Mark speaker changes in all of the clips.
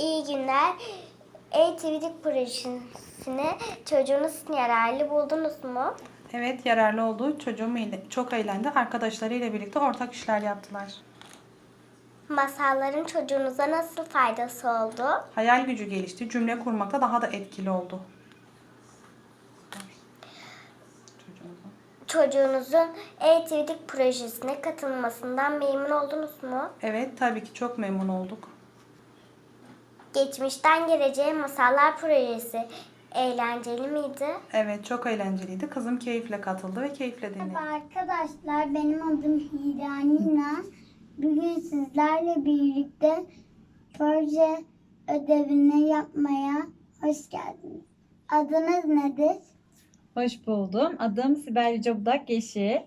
Speaker 1: İyi günler. E-TV'lik projesini çocuğunuz için yararlı buldunuz mu?
Speaker 2: Evet, yararlı oldu. Çocuğum çok eğlendi. Arkadaşlarıyla birlikte ortak işler yaptılar.
Speaker 1: Masalların çocuğunuza nasıl faydası oldu?
Speaker 2: Hayal gücü gelişti. Cümle kurmakta daha da etkili oldu.
Speaker 1: Çocuğunuzun E-TV'lik projesine katılmasından memnun oldunuz mu?
Speaker 2: Evet, tabii ki çok memnun olduk.
Speaker 1: Geçmişten Geleceğe Masallar projesi eğlenceli miydi?
Speaker 2: Evet, çok eğlenceliydi. Kızım keyifle katıldı ve keyifle dinledi.
Speaker 3: Merhaba arkadaşlar, benim adım Hira Nina. Bugün sizlerle birlikte proje ödevini yapmaya hoş geldiniz. Adınız nedir?
Speaker 4: Hoş buldum. Adım Sibel Yüce Budak Yeşil.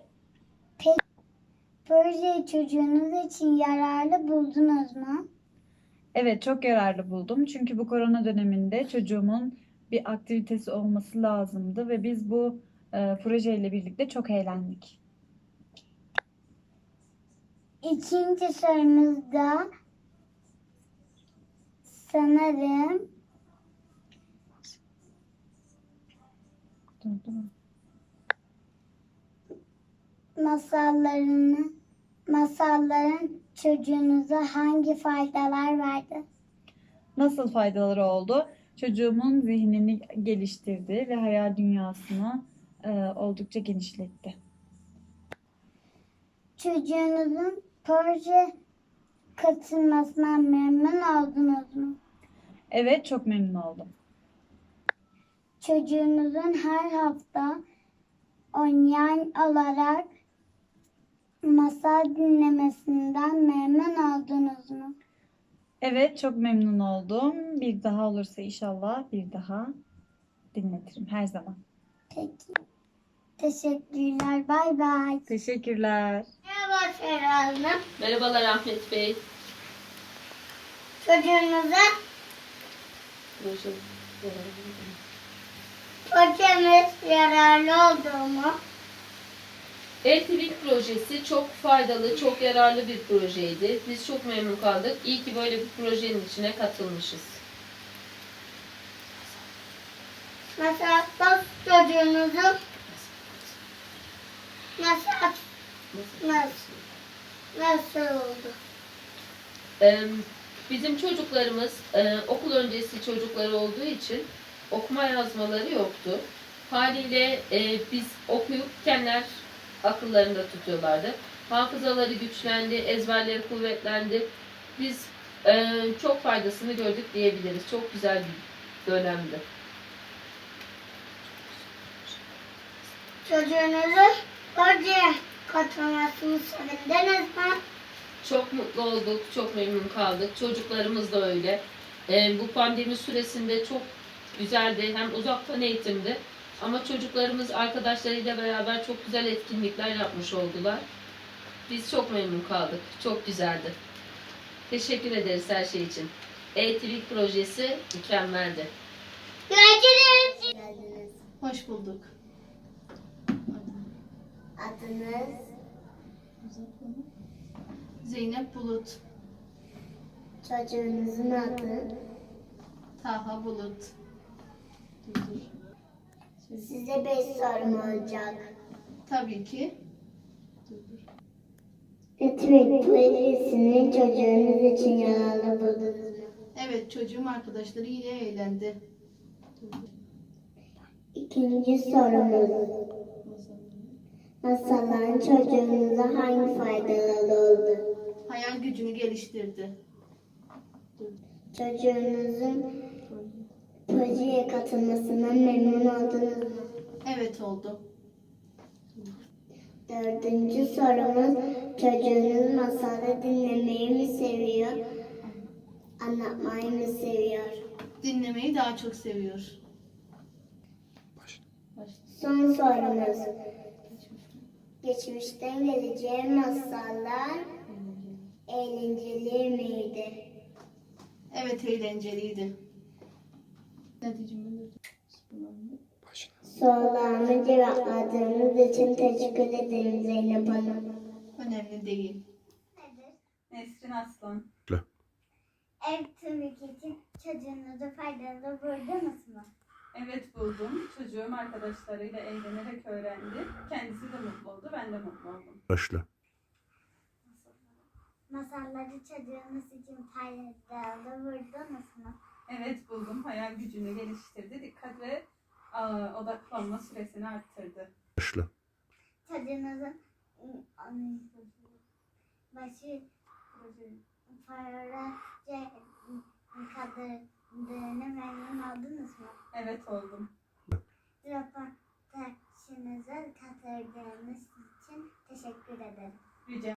Speaker 3: Projeyi çocuğunuz için yararlı buldunuz mu?
Speaker 4: Evet, çok yararlı buldum. Çünkü bu korona döneminde çocuğumun bir aktivitesi olması lazımdı ve biz bu projeyle birlikte çok eğlendik.
Speaker 3: İkinci sorumuzda sanırım masalların çocuğunuza hangi faydalar verdi?
Speaker 4: Nasıl faydaları oldu? Çocuğumun zihnini geliştirdi ve hayal dünyasını oldukça genişletti.
Speaker 3: Çocuğunuzun proje katılmasına memnun oldunuz mu?
Speaker 4: Evet, çok memnun oldum.
Speaker 3: Çocuğunuzun her hafta oynayan olarak masal dinlemesinden memnun oldunuz mu?
Speaker 4: Evet, çok memnun oldum. Bir daha olursa inşallah bir daha dinletirim her zaman.
Speaker 3: Peki. Teşekkürler. Bay bay.
Speaker 4: Teşekkürler.
Speaker 3: Merhaba Ferah Hanım.
Speaker 5: Merhabalar Ahmet Bey.
Speaker 3: Çocuğunuza
Speaker 5: Proje.
Speaker 3: projemiz yararlı oldu mu?
Speaker 5: E-TVİK projesi çok faydalı, çok yararlı bir projeydi. Biz çok memnun kaldık. İyi ki böyle bir projenin içine katılmışız.
Speaker 3: Mesela çocuğunuzun nasıl oldu?
Speaker 5: Bizim çocuklarımız okul öncesi çocukları olduğu için okuma yazmaları yoktu. Haliyle biz okuyup kendiler akıllarında tutuyorlardı. Hafızaları güçlendi, ezberleri kuvvetlendi. Biz çok faydasını gördük diyebiliriz. Çok güzel bir dönemdi.
Speaker 3: Çocuğunuzun projeye katılmasını sevindiniz mi?
Speaker 5: Çok mutlu olduk, çok memnun kaldık. Çocuklarımız da öyle. Bu pandemi süresinde çok güzeldi. Hem uzaktan eğitimdi. Ama çocuklarımız arkadaşlarıyla beraber çok güzel etkinlikler yapmış oldular. Biz çok memnun kaldık. Çok güzeldi. Teşekkür ederiz her şey için. E-TVİK projesi mükemmeldi.
Speaker 3: Görüşürüz.
Speaker 6: Hoş bulduk.
Speaker 3: Adınız?
Speaker 6: Zeynep Bulut.
Speaker 3: Çocuğunuzun adı?
Speaker 6: Taha Bulut.
Speaker 3: Size 5 sorum olacak.
Speaker 6: Tabii ki.
Speaker 3: E-TVİK projesini çocuğunuz için yararlı buldunuz mu?
Speaker 6: Evet, çocuğum arkadaşları yine eğlendi.
Speaker 3: İkinci sorumuz. Masalların çocuğunuza hangi faydaları oldu?
Speaker 6: Hayal gücünü geliştirdi.
Speaker 3: Çocuğunuzun projeye katılmasından memnun oldunuz mu?
Speaker 6: Evet oldu.
Speaker 3: Dördüncü sorumuz, çocuğunuz masalı dinlemeyi mi seviyor, anlatmayı mı seviyor?
Speaker 6: Dinlemeyi daha çok seviyor.
Speaker 3: Son sorumuz, geçmişten geleceğe masallar eğlenceli miydi?
Speaker 6: Evet, eğlenceliydi.
Speaker 3: Sorularımı cevapladığınız için teşekkür ederim Zeynep Hanım.
Speaker 6: Önemli değil.
Speaker 4: Nesrin Aslan.
Speaker 3: Ev TÜBİTAK için çocuğunuzu faydalı buldunuz mu?
Speaker 2: Evet buldum. Çocuğum arkadaşlarıyla eğlenerek öğrendi. Kendisi de mutlu oldu. Ben de mutlu oldum.
Speaker 7: Başla.
Speaker 3: Masalları çocuğunuz için faydalı buldunuz mu?
Speaker 2: Evet buldum. Hayal gücünü geliştirdi. Dikkat ve odaklanma süresini arttırdı.
Speaker 7: Başla.
Speaker 3: Çocuğunuzun başı proje kaldırdığını memnun oldunuz mu?
Speaker 2: Evet oldum.
Speaker 3: Röportajınıza katıldığınız için teşekkür ederim.
Speaker 2: Rica